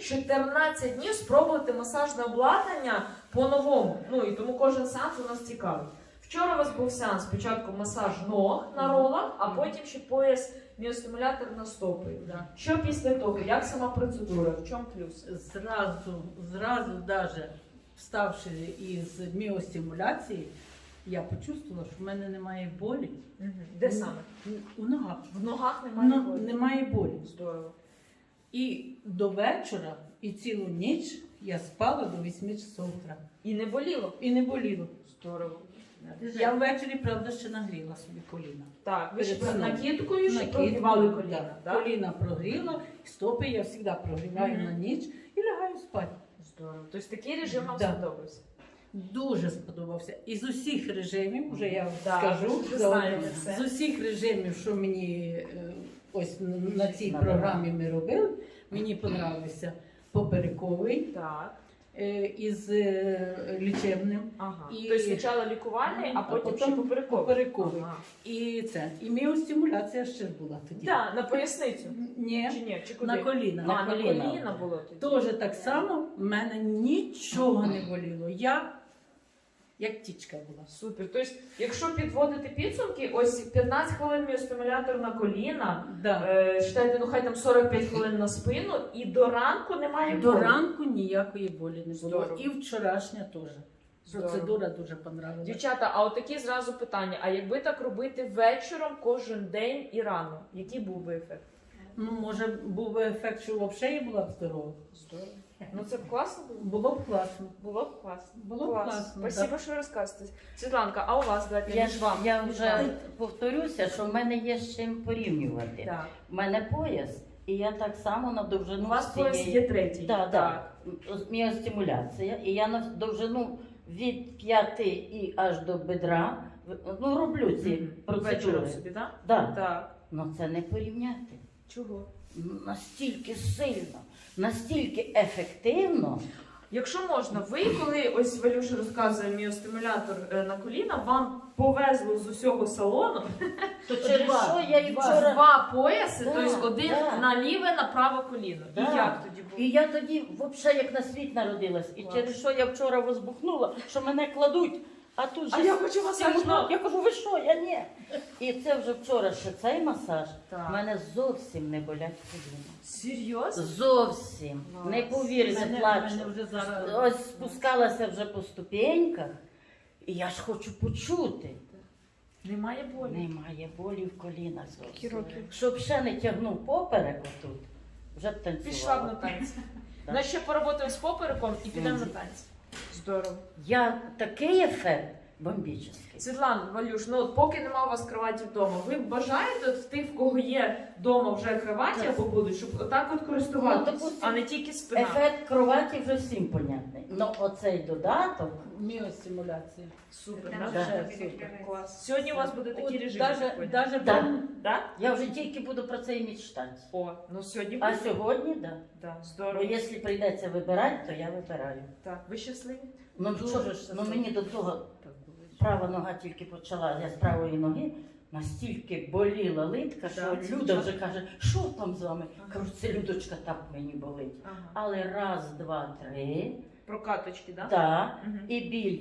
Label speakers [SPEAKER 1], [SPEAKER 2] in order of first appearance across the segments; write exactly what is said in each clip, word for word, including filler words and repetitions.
[SPEAKER 1] чотирнадцять днів спробувати масажне обладнання по-новому. Ну і тому кожен сеанс у нас цікавий. Вчора у вас був сеанс, спочатку масаж ног на ролах, а потім ще пояс міостимулятор на стопи.
[SPEAKER 2] Да.
[SPEAKER 1] Що після того? Як сама процедура? В чому плюс?
[SPEAKER 2] Зразу, зразу даже вставши із міостимуляції, я почувствувала, що в мене немає болі.
[SPEAKER 1] Угу. Де саме?
[SPEAKER 2] У ногах.
[SPEAKER 1] В ногах немає
[SPEAKER 2] Ну,
[SPEAKER 1] болі?
[SPEAKER 2] немає болі.
[SPEAKER 1] Здорово.
[SPEAKER 2] І до вечора, і цілу ніч я спала до восьми часов утра.
[SPEAKER 1] І не боліло?
[SPEAKER 2] І не боліло.
[SPEAKER 1] Здорово.
[SPEAKER 2] Я ввечері, правда, ще нагріла собі коліна.
[SPEAKER 1] Так, ви ж
[SPEAKER 2] Перед сном.
[SPEAKER 1] накидкою ще
[SPEAKER 2] Накидкою,
[SPEAKER 1] прогрівали коліна,
[SPEAKER 2] да.
[SPEAKER 1] так?
[SPEAKER 2] Коліна прогріла, стопи я завжди прогріваю
[SPEAKER 1] Мгм.
[SPEAKER 2] на ніч і лягаю спати.
[SPEAKER 1] Здорово. Тобто такий режим вам
[SPEAKER 2] Да.
[SPEAKER 1] сподобався?
[SPEAKER 2] Дуже сподобався. Із усіх режимів, вже я
[SPEAKER 1] Да,
[SPEAKER 2] скажу,
[SPEAKER 1] вже
[SPEAKER 2] за-
[SPEAKER 1] знаємо це.
[SPEAKER 2] з усіх режимів, що мені е, ось на цій
[SPEAKER 3] Надо.
[SPEAKER 2] програмі ми робили, мені подобався поперековий
[SPEAKER 1] Так.
[SPEAKER 2] е, із е, лічебним.
[SPEAKER 1] Ага.
[SPEAKER 2] І-
[SPEAKER 1] Тобто спочатку лікувальний, а
[SPEAKER 2] А
[SPEAKER 1] потім
[SPEAKER 2] потім
[SPEAKER 1] ще поперековий.
[SPEAKER 2] поперековий.
[SPEAKER 1] Ага.
[SPEAKER 2] І це. І міостимуляція ще ж була тоді.
[SPEAKER 1] Да, на поясницю.
[SPEAKER 2] Ні,
[SPEAKER 1] Чи ні? Чи куди?
[SPEAKER 2] на коліна.
[SPEAKER 1] А,
[SPEAKER 3] На
[SPEAKER 1] на
[SPEAKER 3] коліна.
[SPEAKER 1] коліна було тоді.
[SPEAKER 2] Теж так само в мене нічого не боліло. Я як тічка була.
[SPEAKER 1] Супер. Тобто, якщо підводити підсумки, ось п'ятнадцять хвилин міостимулятор на коліна,
[SPEAKER 2] Да.
[SPEAKER 1] е, читайте, ну хай там сорок п'ять хвилин на спину, і до ранку немає
[SPEAKER 2] До
[SPEAKER 1] болі.
[SPEAKER 2] ранку ніякої болі не було.
[SPEAKER 1] Здорово.
[SPEAKER 2] І вчорашня теж.
[SPEAKER 1] Здорово.
[SPEAKER 2] Процедура дуже понравилась.
[SPEAKER 1] Дівчата, а от такі зразу питання: а якби так робити вечором кожен день і рано, який був би ефект?
[SPEAKER 2] Ну, може, був би ефект, що взагалі я була б здорова.
[SPEAKER 1] Здорово. Ну це б класно було?
[SPEAKER 2] Було б класно.
[SPEAKER 1] Було б класно.
[SPEAKER 2] Було б класно,
[SPEAKER 1] Спасибо,
[SPEAKER 2] так.
[SPEAKER 1] що ви розказуєте. Світланка, а у вас, давайте
[SPEAKER 3] Я,
[SPEAKER 1] між вами.
[SPEAKER 3] я
[SPEAKER 1] між
[SPEAKER 3] вже
[SPEAKER 1] вами.
[SPEAKER 3] повторюся, що в мене є з чим порівнювати.
[SPEAKER 1] Так.
[SPEAKER 3] У мене пояс, і я так само на довжину
[SPEAKER 1] У вас
[SPEAKER 3] цієї-
[SPEAKER 1] пояс є третій.
[SPEAKER 3] Да,
[SPEAKER 1] Так.
[SPEAKER 3] да. Міостимуляція. І я на довжину від п'яти і аж до бедра ну, роблю ці
[SPEAKER 1] Мгм.
[SPEAKER 3] процедури.
[SPEAKER 1] Вечором собі, так?
[SPEAKER 3] Да.
[SPEAKER 1] Так.
[SPEAKER 3] Ну це не порівняти.
[SPEAKER 1] Чого?
[SPEAKER 3] Настільки сильно, настільки ефективно.
[SPEAKER 1] Якщо можна, ви коли ось Валюша розказує міостимулятор е, на коліна, вам повезло з усього салону
[SPEAKER 3] То через
[SPEAKER 2] Два.
[SPEAKER 3] що я і
[SPEAKER 2] Два.
[SPEAKER 3] вчора.
[SPEAKER 1] два пояси,
[SPEAKER 3] Да,
[SPEAKER 1] тобто один
[SPEAKER 3] да.
[SPEAKER 1] на ліве, на праве коліно.
[SPEAKER 3] Да.
[SPEAKER 1] І як тоді було?
[SPEAKER 3] І я тоді взагалі як на світ народилась. І
[SPEAKER 1] Клас.
[SPEAKER 3] через що я вчора возбухнула, що мене кладуть. А тут же
[SPEAKER 1] А я хочу масаж
[SPEAKER 3] стіну.
[SPEAKER 1] ног.
[SPEAKER 3] Я кажу, ви що, я ні. І це вже вчора ще цей масаж.
[SPEAKER 1] Так.
[SPEAKER 3] У мене зовсім не болять коліна.
[SPEAKER 1] Серйозно?
[SPEAKER 3] Зовсім.
[SPEAKER 1] Клас.
[SPEAKER 3] Не повірите,
[SPEAKER 2] Мене,
[SPEAKER 3] плачу.
[SPEAKER 2] мене вже зараз...
[SPEAKER 3] Ось спускалася вже по ступеньках, і я ж хочу почути.
[SPEAKER 1] Немає болі.
[SPEAKER 3] Немає болі в колінах
[SPEAKER 1] Скільки
[SPEAKER 3] зовсім.
[SPEAKER 1] років?
[SPEAKER 3] Щоб ще не тягнув поперек отут, вже б танцювала.
[SPEAKER 1] Пішла б на танці.
[SPEAKER 3] Так.
[SPEAKER 1] Ну ще поработаємо з попереком і підемо на
[SPEAKER 3] Мгм.
[SPEAKER 1] танці. Здорово.
[SPEAKER 3] Я такий ефект бомбічний.
[SPEAKER 1] Світлана, Валюш, ну от поки нема у вас кроваті вдома, ви бажаєте от в тих, в кого є вдома вже кроваті
[SPEAKER 3] Так.
[SPEAKER 1] або будуть, щоб отак от користуватися,
[SPEAKER 3] Ну, допустим,
[SPEAKER 1] а не тільки спина.
[SPEAKER 3] Ефект кроваті вже всім понятний. Ну оцей додаток,
[SPEAKER 2] Міостимуляція.
[SPEAKER 1] Супер,
[SPEAKER 3] Да.
[SPEAKER 1] да?
[SPEAKER 2] Вже супер.
[SPEAKER 1] Клас. Сьогодні у вас буде такий
[SPEAKER 2] От
[SPEAKER 1] режим.
[SPEAKER 2] даже,
[SPEAKER 1] я так поняла.
[SPEAKER 2] даже
[SPEAKER 3] Да.
[SPEAKER 2] прям-
[SPEAKER 1] Да?
[SPEAKER 3] я вже тільки буду про це і мечтати.
[SPEAKER 1] О, ну сьогодні
[SPEAKER 3] А
[SPEAKER 1] буде.
[SPEAKER 3] сьогодні, да.
[SPEAKER 1] Да,
[SPEAKER 3] Бо
[SPEAKER 1] здорово.
[SPEAKER 3] якщо прийдеться вибирати, то я вибираю.
[SPEAKER 1] Так, ви щасливі?
[SPEAKER 3] Ну,
[SPEAKER 2] Дуже
[SPEAKER 3] що,
[SPEAKER 2] щаслива.
[SPEAKER 3] ну мені до того права нога тільки почала, я з правої ноги настільки боліла литка, що
[SPEAKER 1] Так, це
[SPEAKER 3] Люда
[SPEAKER 1] дуже-
[SPEAKER 3] вже каже, що там з вами?
[SPEAKER 1] Ага.
[SPEAKER 3] Кажу, це Людочка так мені болить.
[SPEAKER 1] Ага.
[SPEAKER 3] Але раз, два, три,
[SPEAKER 1] Прокаточки, да?
[SPEAKER 3] так,
[SPEAKER 1] Мгм.
[SPEAKER 3] і біль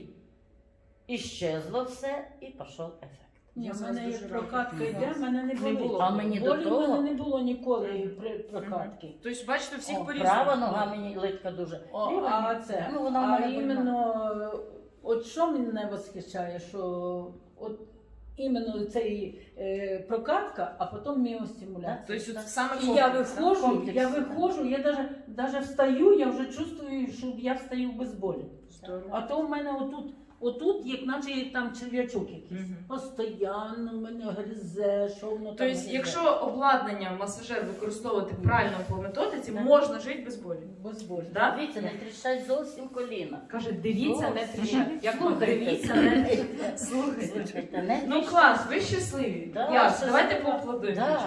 [SPEAKER 3] іщезло все, і пішов ефект.
[SPEAKER 2] Ні,
[SPEAKER 1] Я
[SPEAKER 2] в
[SPEAKER 1] вас
[SPEAKER 2] мене
[SPEAKER 1] дуже
[SPEAKER 2] як
[SPEAKER 1] рада.
[SPEAKER 2] прокатка йде, в мене не
[SPEAKER 1] Не
[SPEAKER 2] болить.
[SPEAKER 1] було.
[SPEAKER 3] А мені до
[SPEAKER 2] Болі в
[SPEAKER 3] того,
[SPEAKER 2] мене не було ніколи при прокатки.
[SPEAKER 1] Тобто, бачите, всіх
[SPEAKER 3] о,
[SPEAKER 1] по-різному.
[SPEAKER 3] права нога мені литка дуже.
[SPEAKER 2] О,
[SPEAKER 3] Ліва
[SPEAKER 2] а
[SPEAKER 3] ні.
[SPEAKER 2] це,
[SPEAKER 3] Ну, вона в
[SPEAKER 2] а
[SPEAKER 3] мене
[SPEAKER 2] іменно, от що мене восхищає, що от іменно цей е, прокатка, а потім міостимуляція.
[SPEAKER 1] Тобто, от саме
[SPEAKER 2] І я
[SPEAKER 1] комплекс, да?
[SPEAKER 2] виходжу,
[SPEAKER 3] комплекс,
[SPEAKER 2] я
[SPEAKER 3] да.
[SPEAKER 2] виходжу, я даже, даже встаю, я вже чувствую, що я встаю без болі.
[SPEAKER 1] Здорово.
[SPEAKER 2] А то в мене отут, отут, як наче як там черв'ячок якийсь.
[SPEAKER 1] Мгм.
[SPEAKER 2] Постоянно в мене гризе, що воно там
[SPEAKER 1] Тобто,
[SPEAKER 2] гризе.
[SPEAKER 1] якщо обладнання масажер використовувати правильно по методиці,
[SPEAKER 3] Так.
[SPEAKER 1] можна жити без болі.
[SPEAKER 2] Без болі.
[SPEAKER 1] Да?
[SPEAKER 3] Дивіться, не тріщать зовсім коліна.
[SPEAKER 1] Каже, дивіться, не
[SPEAKER 3] Зовсім.
[SPEAKER 1] тріщать. Як вам
[SPEAKER 3] Слухайте.
[SPEAKER 1] дивіться, не тріщать. Слухайте.
[SPEAKER 3] Слухайте, не
[SPEAKER 1] Ну
[SPEAKER 3] тріщать.
[SPEAKER 1] клас, ви щасливі.
[SPEAKER 3] Да,
[SPEAKER 1] Ясно,
[SPEAKER 3] щаслива.
[SPEAKER 1] давайте поаплодуємо.
[SPEAKER 3] Да.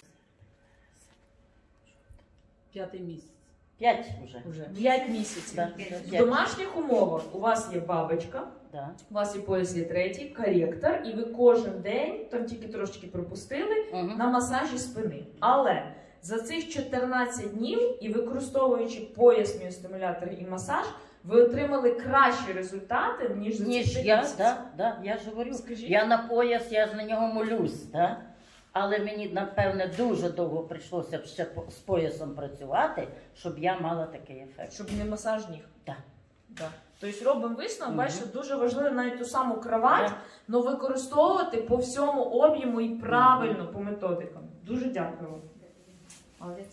[SPEAKER 2] П'ятий місяць
[SPEAKER 3] П'ять вже.
[SPEAKER 2] вже.
[SPEAKER 1] П'ять місяців.
[SPEAKER 3] Да,
[SPEAKER 1] В
[SPEAKER 3] п'ять.
[SPEAKER 1] домашніх умовах у вас є бабочка,
[SPEAKER 3] Да.
[SPEAKER 1] у вас є пояс є третій, коректор, і ви кожен день, там тільки трошечки пропустили,
[SPEAKER 3] Мгм.
[SPEAKER 1] на масажі спини. Але за цих чотирнадцять днів і використовуючи пояс, міостимулятор і масаж, ви отримали кращі результати, ніж за
[SPEAKER 3] Ніж
[SPEAKER 1] цих
[SPEAKER 3] я,
[SPEAKER 1] місяців?
[SPEAKER 3] да, да, я ж говорю.
[SPEAKER 1] Скажіть.
[SPEAKER 3] Я на пояс, я ж на нього молюсь, да? Але мені, напевне, дуже довго прийшлося б ще по- з поясом працювати, щоб я мала такий ефект.
[SPEAKER 1] Щоб не масаж ніг.
[SPEAKER 3] Так.
[SPEAKER 1] Да. Тобто робимо висновок,
[SPEAKER 3] Мгм.
[SPEAKER 1] бачите, дуже важливо навіть ту саму кровать,
[SPEAKER 3] Так.
[SPEAKER 1] але використовувати по всьому об'єму і правильно по методикам. Дуже дякую вам. Молодець.